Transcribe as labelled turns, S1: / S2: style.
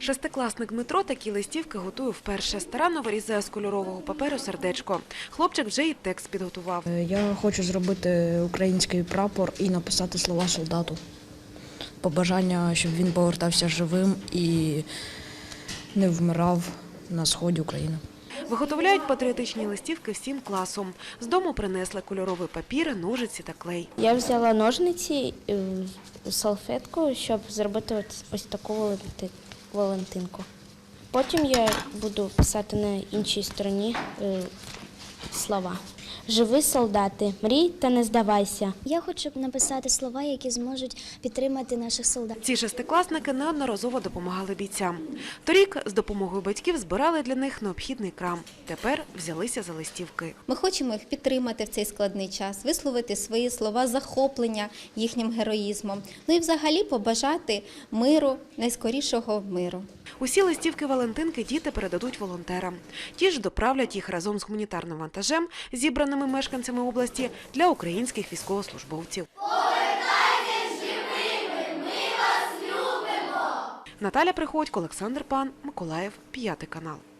S1: Шестикласник Дмитро такі листівки готує вперше. Старанно вирізає з кольорового паперу сердечко. Хлопчик вже і текст підготував.
S2: Я хочу зробити український прапор і написати слова солдату. Побажання, щоб він повертався живим і не вмирав на сході України.
S1: Виготовляють патріотичні листівки всім класом. З дому принесли кольоровий папір, ножиці та клей.
S3: Я взяла ножниці, салфетку, щоб зробити ось таку Валентинку. Потім я буду писати на іншій стороні слова. Живи, солдати, мрій та не здавайся.
S4: Я хочу написати слова, які зможуть підтримати наших солдатів.
S1: Ці шестикласники неодноразово допомагали бійцям. Торік з допомогою батьків збирали для них необхідний крам. Тепер взялися за листівки.
S5: Ми хочемо їх підтримати в цей складний час, висловити свої слова захоплення їхнім героїзмом. Ну і взагалі побажати миру, найскорішого миру.
S1: Усі листівки Валентинки діти передадуть волонтерам. Ті ж доправлять їх разом з гуманітарним вантажем, зібраними мешканцями області, для українських військовослужбовців.
S6: Повертайтесь живими, ми вас любимо!
S1: Наталя Приходько, Олександр Пан, Миколаїв, 5 канал.